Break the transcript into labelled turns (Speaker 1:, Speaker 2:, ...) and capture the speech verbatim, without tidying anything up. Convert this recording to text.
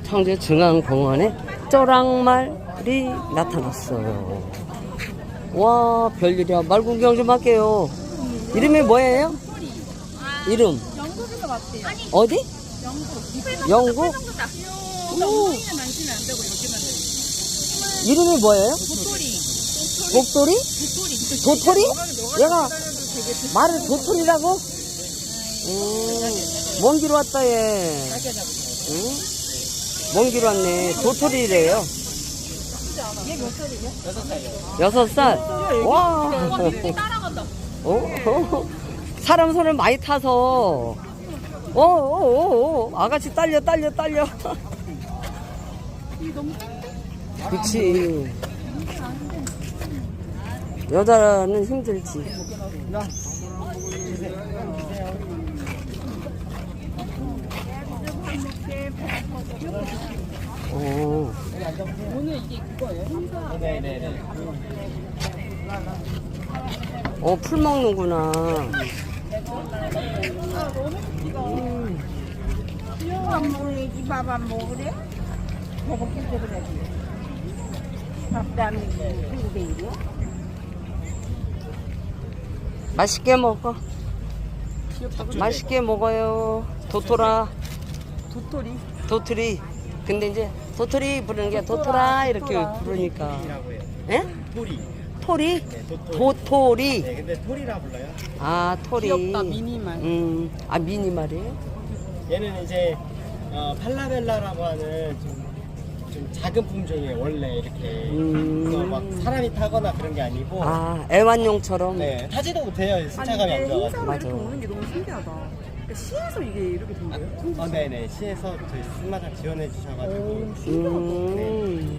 Speaker 1: 청주 중앙공원에 쪼랑말이 나타났어요. 와, 별일이야. 말 구경 좀 할게요. 이름이 뭐예요? 이름?
Speaker 2: 영국에서 왔대요.
Speaker 1: 어디?
Speaker 2: 영국.
Speaker 1: 영국? 오. 이름이 뭐예요?
Speaker 2: 도토리.
Speaker 1: 복돌이?
Speaker 2: 도토리.
Speaker 1: 도토리? 얘가 말을 도토리라고? 음, 먼 길 왔다 얘. 응? 먼 길 왔네. 도토리래요.
Speaker 2: 얘 몇 살이냐?
Speaker 1: 여섯 살. 와.
Speaker 2: 따라간다.
Speaker 1: 어? 어? 사람 손을 많이 타서. 어, 어, 어, 어. 아가씨 딸려, 딸려, 딸려. 그치. 여자는 힘들지. 어.
Speaker 2: 오늘 이게 그거예요? 행사.
Speaker 3: 네네네.
Speaker 1: 어, 풀 먹는구나.
Speaker 2: 안 먹어야지. 밥 안 먹으래? 먹을게 그래야지. 밥도 안 먹고 그게 이래?
Speaker 1: 맛있게 먹어. 맛있게 먹어요. 도토라.
Speaker 2: 도토리.
Speaker 1: 도토리. 근데 이제 도토리 부르는 게 도토라 이렇게 부르니까.
Speaker 3: 토리라고 해요.
Speaker 1: 예?
Speaker 3: 토리.
Speaker 1: 토리?
Speaker 3: 네, 도토리.
Speaker 1: 도토리.
Speaker 3: 네, 근데 토리라 불러요.
Speaker 1: 아, 토리.
Speaker 2: 귀엽다, 미니말.
Speaker 1: 음, 아, 미니말이에요?
Speaker 3: 얘는 이제 어, 팔라벨라라고 하는 좀, 좀 작은 품종이에요. 원래 이렇게
Speaker 1: 음.
Speaker 3: 그래서 막 사람이 타거나 그런 게 아니고.
Speaker 1: 아, 애완용처럼.
Speaker 3: 네, 타지도 못해요. 승차감이 안 좋아가지고.
Speaker 1: 맞아.
Speaker 2: 이렇게 오는 게 너무 신기하다. 그러니까 시에서 이게 이렇게 된 거예요?
Speaker 3: 어, 네네. 시에서 저희 승마장 지원해 주셔가지고.
Speaker 1: 음.